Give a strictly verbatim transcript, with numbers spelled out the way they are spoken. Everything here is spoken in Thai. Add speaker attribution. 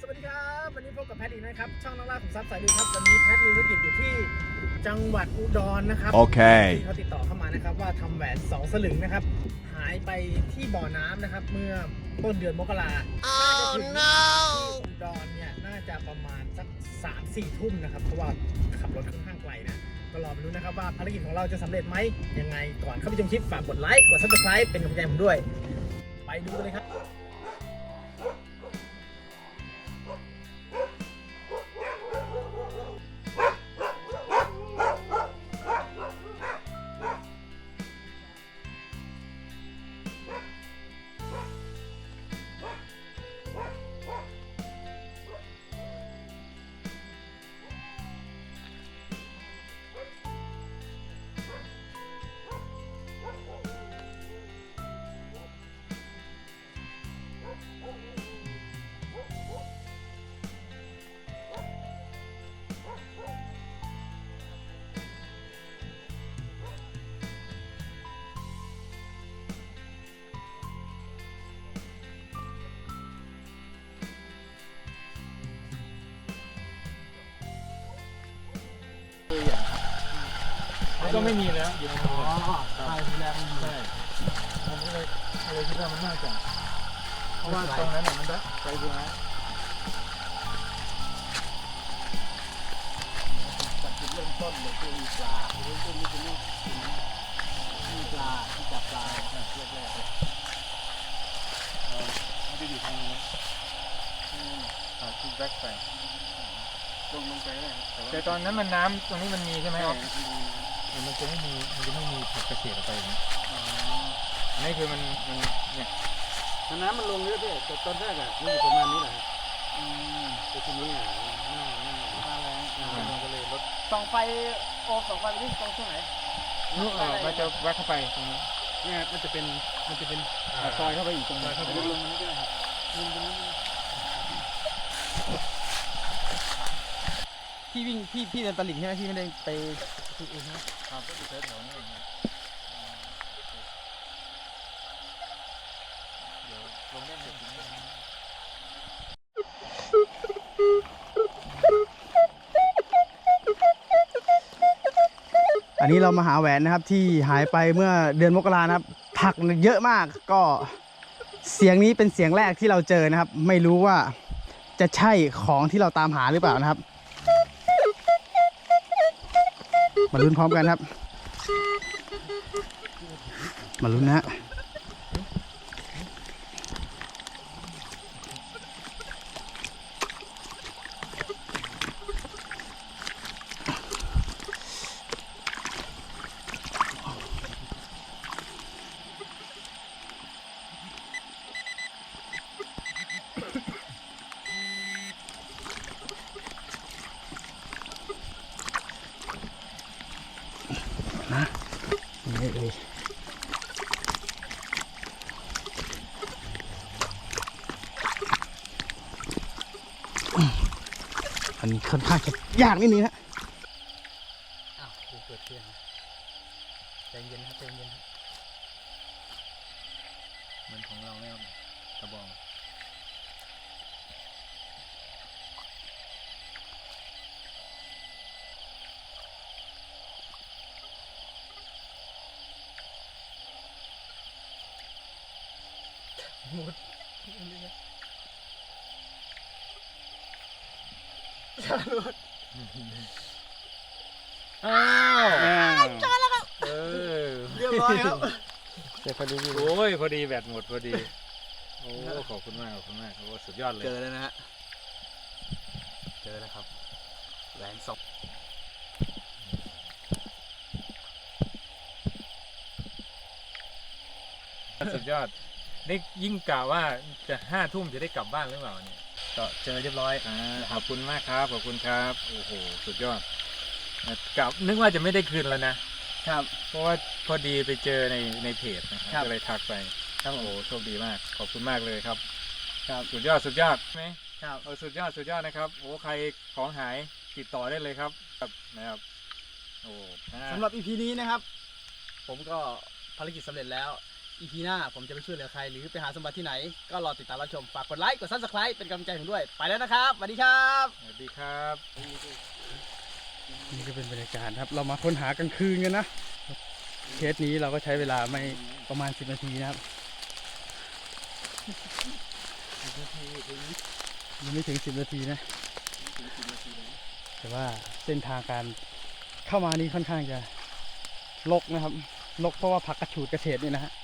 Speaker 1: สวัสดีครับวันนี้พบกับแพทอีกนะครับช่องนักล่าขุมทรัพย์สายลุยครับวันนี้แพทมีธุรกิจอยู่ที่จังหวัดอุดรนะครับโอเคที่เขาติดต่อเข้ามานะครับว่าทำแหวนสองสลึงนะครับหายไปที่บ่อน้ำนะครับเมื่อต้นเดือนมกราคมน่าจะถึงที่อุดรเนี่ยน่าจะประมาณสักสามสี่ทุ่มนะครับเพราะว่าขับรถค่อนข้างไกลนะก็รอไปดูนะครับว่าภารกิจของเราจะสำเร็จไหมยังไงก่อนเข้าไปชมคลิปฝากกดไลค์กดซับสไครป์เป็นกำลังใจผมด้วยไปดูกันเลยครับ
Speaker 2: ก็ไม่มีแล้วอยู่ในมือ
Speaker 1: ใช่ทีแรกไม่มี
Speaker 2: ใช่ผมก็เลยเลยคิดว่ามันน่าจะเพราะว่าตรงนั้นเนี่ยมันได้ไปดูนะ
Speaker 1: จากจุดเริ่มต้นเลยคือมีปลาเริ่มต้นนี่คือนี่มีปลาที่จับปลาแรกแรกเลย
Speaker 2: มันจะอยู่ทางนี้อ่าคือแบ็คไป
Speaker 1: ตรงลงไปได้
Speaker 2: แต่ตอนนั้นมันน้ำตรงนี้มันมีใช่ไหมครับมันจะไม่มีมันจะไม่มีผักกระเฉดออกไปอย่างนี้นี่คือมันมันเนี่ย
Speaker 1: น้ำมันลงเยอะด้วยแต่ตอนแรกอ่ะมันอยู่ประมาณนี้แหละแต่ทีนี้อ่ะหน้าหน้าหน้าแรงมันก็เลยลดส่องไฟโอส่องไฟไปที่ตรงช่วงไหน
Speaker 2: นู่นเออมันจะแวะเข้าไปตรงนี้
Speaker 1: เนี่ยมันจะเป็นมันจะเป็น
Speaker 2: ซอยเข้าไปอีกตรงนี้
Speaker 1: เข้าไปลงนี้ก็ได้ครับพี่วิ่งพี่พี่เดินตลิ่งใช่ไหมพี่ไม่ได้ไปที่อื่นนะครับ
Speaker 2: ก็อยู่แถวๆนี้เองเดี๋ยวลงได้เสร็จถึงนี้
Speaker 1: อันนี้เรามาหาแหวนนะครับที่หายไปเมื่อเดือนมกรานะครับผักเยอะมากก็เสียงนี้เป็นเสียงแรกที่เราเจอนะครับไม่รู้ว่าจะใช่ของที่เราตามหาหรือเปล่านะครับมาลุ้นพร้อมกันครับมาลุ้นนะฮะนะนี่เลยอันนี้ค่อนข้างจะยากนิดนึงฮะอ้าวเปิดเทียนใจเย็นครับใจเย็นครับ
Speaker 2: เหมือนของเราเนี่ยกระบอง
Speaker 1: หมด
Speaker 2: อ้าว
Speaker 1: จอแล้วครับ
Speaker 2: เออ
Speaker 1: เรียบร้อยครับ
Speaker 2: เจอพอดีโอ้ยพอดีแบตหมดพอดีโอ้ขอบคุณมากขอบคุณมากโอ้สุดยอดเลย
Speaker 1: เจอแล้วนะฮะเจอแล้วครับแหวนสอง
Speaker 2: สุดยอดนี่ยิ่งกะว่าจะห้าทุ่มจะได้กลับบ้านหรือเปล่าเนี่ยก็เจอเรียบร้อยอ่าขอบคุณมากครับขอบคุณครับโอ้โหสุดยอดกลับนึกว่าจะไม่ได้คืนแล้วนะครับเพราะว่าพอดีไปเจอในในเพจนะครับก็เลยทักไปครับโอ้โหโชคดีมากขอบคุณมากเลยครับครับสุดยอดสุดยอดไหมครับเออสุดยอดสุดยอดนะครับโอ้ใครของหายติดต่อได้เลยครับนะครับโอ้
Speaker 1: สำหรับ อี พี นี้นะครับผมก็ภารกิจสำเร็จแล้ว
Speaker 3: อี พี หน้าผมจะไปช่วยเหลือใครหรือไปหาสมบัติที่ไหนก็รอติดตามรับชมฝากกดไลค์กด ซับสไครบ์ เป็นกำลังใจผมด้วยไปแล้วนะครับสวัสดีครับ
Speaker 2: สวัสดีครับ
Speaker 3: นี่ก็เป็นบรรยากาศครับเรามาค้นหากลางคืนกันนะเคสนี้เราก็ใช้เวลาไม่ประมาณสิบนาทีนะครับยังไม่ถึงสิบนาทีนะแต่ว่าเส้นทางการเข้ามานี่ค่อนข้างจะรกนะครับรกเพราะว่าผักกระฉูดกระเฉดนี่นะฮะ